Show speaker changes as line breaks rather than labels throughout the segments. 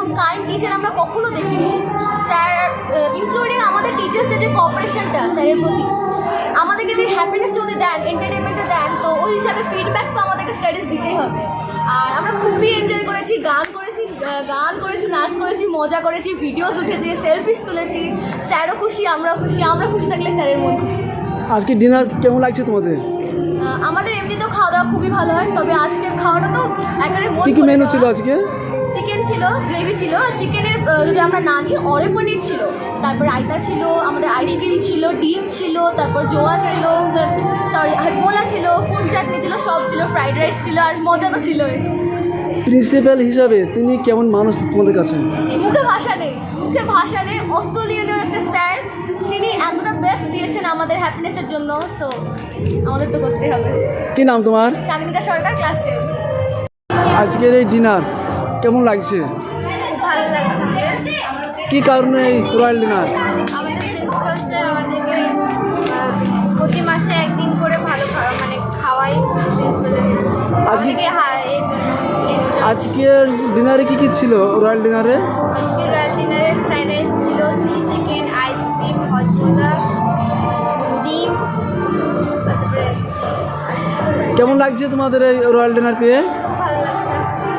Kind teacher আমরা কখনো দেখিনি। স্যার ইনক্লুডিং আমাদের টিচার্সদের যে কোঅপারেশনটা স্যারের প্রতি, আমাদেরকে যে হ্যাপিনেসটা উনি দেন, এন্টারটেনমেন্টটা দেন, তো ওই হিসাবে ফিডব্যাক তো আমাদেরকে স্টাডিজ দিতেই হবে। আর আমরা খুবই এনজয় করেছি, গান করেছি, নাচ করেছি, মজা করেছি, ভিডিওস উঠেছি, সেলফিস তুলেছি। স্যারও খুশি, আমরাও খুশি, আমরা খুশি থাকলে স্যারের মন খুশি।
আজকে ডিনার কেমন লাগছে তোমাদের?
আমাদের এমনিতেও খাওয়া দাওয়া খুবই ভালো হয়, তবে আজকের খাওয়াটা তো একেবারে
কী কী মেনু ছিল আজকে?
চিকেন ছিল, গ্রেভি ছিল, চিকেনের যদি আমরা না নিই অরে পনির ছিল, তারপর রায়তা ছিল, আমাদের আইসক্রিম ছিল, ডিম ছিল, তারপর জোয়া ছিল, হাজমোলা ছিল, ফুড চাটনি ছিল, সব ছিল, ফ্রাইড রাইস ছিল, আর মজা তো ছিল।
প্রিন্সিপাল হিসাবে তিনি কেমন মানুষ তোমাদের কাছে?
মুখে ভাষা নেই, অতুলনীয় একটা স্যার। তিনি এতটা বেস্ট দিয়েছেন আমাদের হ্যাপিনেসের জন্য, সো আমাদের তো করতেই হবে।
কি নাম তোমার?
সাগনিকা সরকার, ক্লাস 10।
আজকের এই ডিনার কেমন লাগছে?
ভালো লাগছে।
কি কারণে এই রয়্যাল ডিনার?
আমাদের প্রিন্সিপাল স্যার আমাদেরকে প্রতি মাসে একদিন করে ভালো মানে খাওয়াই।
আজকের ডিনারে কি ছিল রয়্যাল ডিনারে?
আজকের রয়্যাল ডিনারে ফ্রাইড রাইস ছিল, চিলি চিকেন, আইসক্রিম, হজমোলা, ডিম।
কেমন লাগছে তোমাদের এই রয়্যাল ডিনার পেয়ে?
ভালো লাগছে।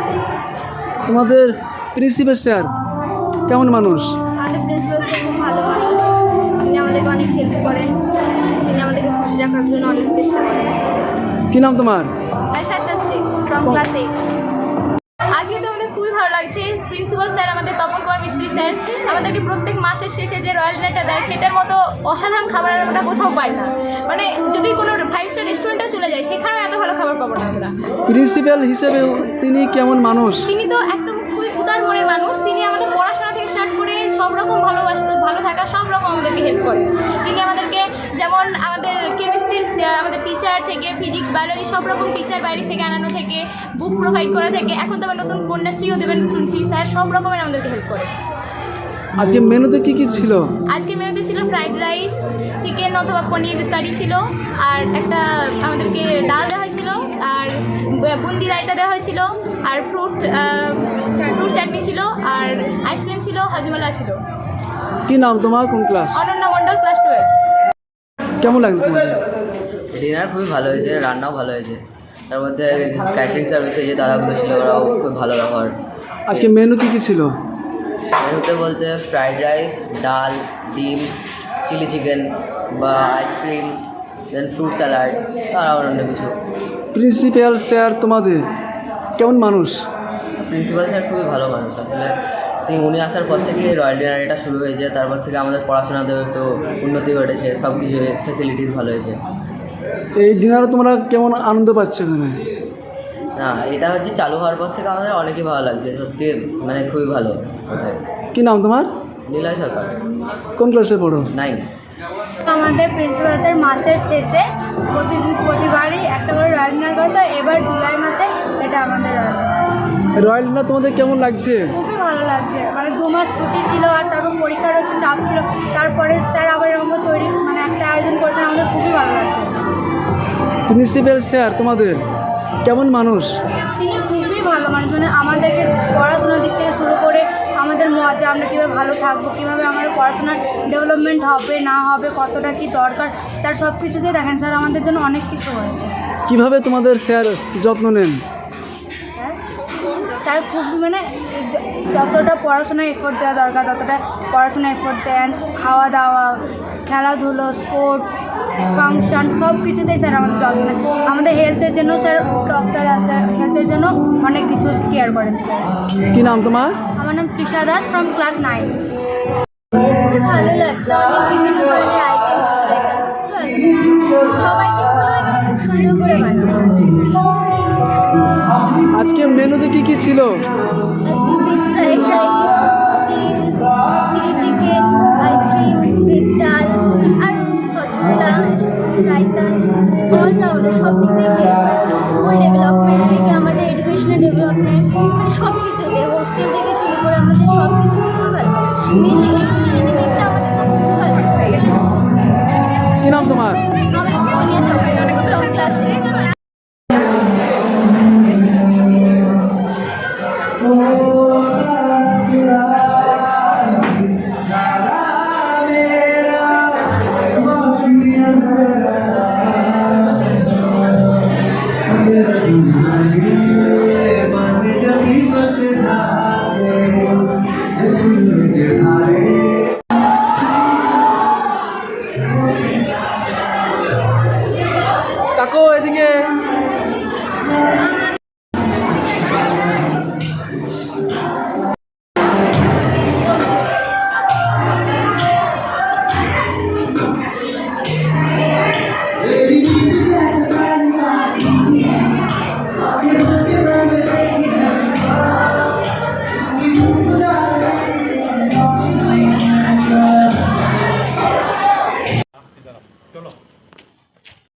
তোমাদের প্রিন্সিপাল স্যার কেমন মানুষ?
আমাদের প্রিন্সিপাল স্যার খুব ভালো মানুষ। তিনি আমাদেরকে অনেক হেল্প করেন, তিনি আমাদেরকে খুশি রাখার জন্য অনেক চেষ্টা করেন।
কি নাম তোমার?
Shree from class 8। আজকে তো আমাদের খুবই ভালো লাগছে। প্রিন্সিপাল স্যার আমাদের তপন কুমার মিস্ত্রি স্যার আমাদেরকে প্রত্যেক মাসের শেষে যে রয়্যাল ডিনারটা দেয়, সেটার মতো অসাধারণ খাবার আমরা কোথাও পাই না। মানে যদি কোনো 5 স্টার রেস্টুরেন্টেও চলে যায়, সেখানেও এত ভালো খাবার পাবো না আমরা।
প্রিন্সিপাল হিসেবে তিনি কেমন মানুষ?
তিনি তো একদম খুবই উদার মনের মানুষ। তিনি আমাদের পড়াশোনা থেকে স্টার্ট করে সব রকম ভালো থাকা সব রকম আমাদেরকে হেল্প করে। তিনি আমাদেরকে যেমন আমাদের কেমিস্ট্রির আমাদের টিচার থেকে ফিজিক্স, বায়োলজি সব রকম টিচার বাইরে থেকে আনানো থেকে, বুক প্রোভাইড করা থেকে, এখন তো আবার নতুন কন্যাশ্রীও দেবেন শুনছি। স্যার সব রকমের আমাদেরকে হেল্প করে।
আজকে মেনুতে কি কি ছিল?
আজকে মেনুতে ছিল ফ্রাইড রাইস, চিকেন অথবা পনির কারি ছিল, আর একটা আমাদেরকে ডাল দেওয়া হয়েছিল, আর বুন্দি রায়তা দেওয়া হয়েছিল, আর ফ্রুট চাটনি ছিল, আর আইসক্রিম ছিল, হজমোলা ছিল।
কি নাম তোমার? কোন ক্লাস?
অনন্যা মণ্ডল, ক্লাস 12।
কেমন লাগলো তোমার?
ডিনার খুবই ভালো হয়েছে, রান্নাও ভালো হয়েছে। তার মধ্যে ক্যাটারিং সার্ভিসে যে দাদাগুলো ছিল ওরাও খুব ভালো ব্যবহার।
আজকে মেনু কি কি ছিল?
মেনুতে বলতে ফ্রাইড রাইস, ডাল, ডিম, চিলি চিকেন বা আইসক্রিম, দেন ফ্রুট স্যালাড, আর অন্য কিছু।
প্রিন্সিপাল স্যার তোমাদের কেমন মানুষ?
প্রিন্সিপাল স্যার খুবই ভালো মানুষ আসলে। উনি আসার পর থেকে রয়্যাল ডিনার এটা শুরু হয়েছে, তারপর থেকে আমাদের পড়াশোনাতেও একটু উন্নতি ঘটেছে, সব কিছু ফেসিলিটিস ভালো হয়েছে।
এই ডিনারে তোমরা কেমন আনন্দ পাচ্ছ এখানে?
না, এটা হচ্ছে চালু হওয়ার পর থেকে আমাদের অনেকই ভালো লাগছে, সত্যি মানে খুবই ভালো।
কি নাম তোমার?
নিলয় সরকার,
কোন ক্লাসে পড়ো?
9।
আমাদের প্রিন্সিপাল স্যার মাসের শেষে প্রতিবারই একটা করে রয়্যাল ডিনার করে, তো এবার জুলাই মাসে এটা আমাদের
রয়্যাল ডিনার তোমাদের কেমন লাগছে?
খুবই ভালো লাগছে। মানে 2 মাস ছুটি ছিল, আর তারপর পরীক্ষার একটু চাপ ছিল, তারপরে স্যার আবার এরকম তৈরি মানে একটা আয়োজন করেছেন, আমাদের খুবই ভালো লাগছে।
প্রিন্সিপাল স্যার তোমাদের কেমন মানুষ?
তিনি খুবই ভালো মানুষ। মানে আমাদেরকে পড়াশোনার দিক থেকে শুরু করে আমাদের মজা, আমরা কীভাবে ভালো থাকবো, কীভাবে আমাদের পড়াশোনার ডেভেলপমেন্ট হবে না হবে, কতটা কী দরকার, তার সব কিছুতেই দেখেন স্যার আমাদের জন্য অনেক কিছু হয়েছে।
কিভাবে তোমাদের স্যার যত্ন নেন?
স্যার খুব মানে যতটা পড়াশোনায় এফোর্ট দেওয়া দরকার ততটা পড়াশোনায় এফোর্ট দেন। খাওয়া দাওয়া, খেলাধুলো, স্পোর্টস, ফাংশন সব কিছুতেই স্যার আমাদের যত্ন নেন। আমাদের হেলথের জন্য স্যার ডক্টর আছে, হেলথের জন্য অনেক কিছু কেয়ার করেন স্যার।
কি নাম তোমার?
আমার নাম তৃষা দাস, ফ্রম ক্লাস 9। খুব ভালো লাগছে, অনেক বিভিন্ন ধরনের আইটেমস ছিল এখানে। সবাইকে খুব সুন্দর করে
আজকে মেনুতে কি কি ছিল?
ভেজ ফ্রাইড রাইস, ডিম, চিলি চিকেন, আইসক্রিম, ভেজ ডাল, আর হজমোলা, রায়তা, অল রাউন্ডার সব দিক থেকে, স্কুল ডেভেলপমেন্ট থেকে আমাদের এডুকেশনাল ডেভেলপমেন্ট, মানে সব কিছুতে, হোস্টেল থেকে শুরু করে আমাদের সব কিছু খুব ভালো। মেনলি এডুকেশনের দিকটা আমাদের খুব ভালো।
কি নাম তোমার?
আমার নাম Sonia Chowdhury, from class 8।
Oh ডাকো এদিকে।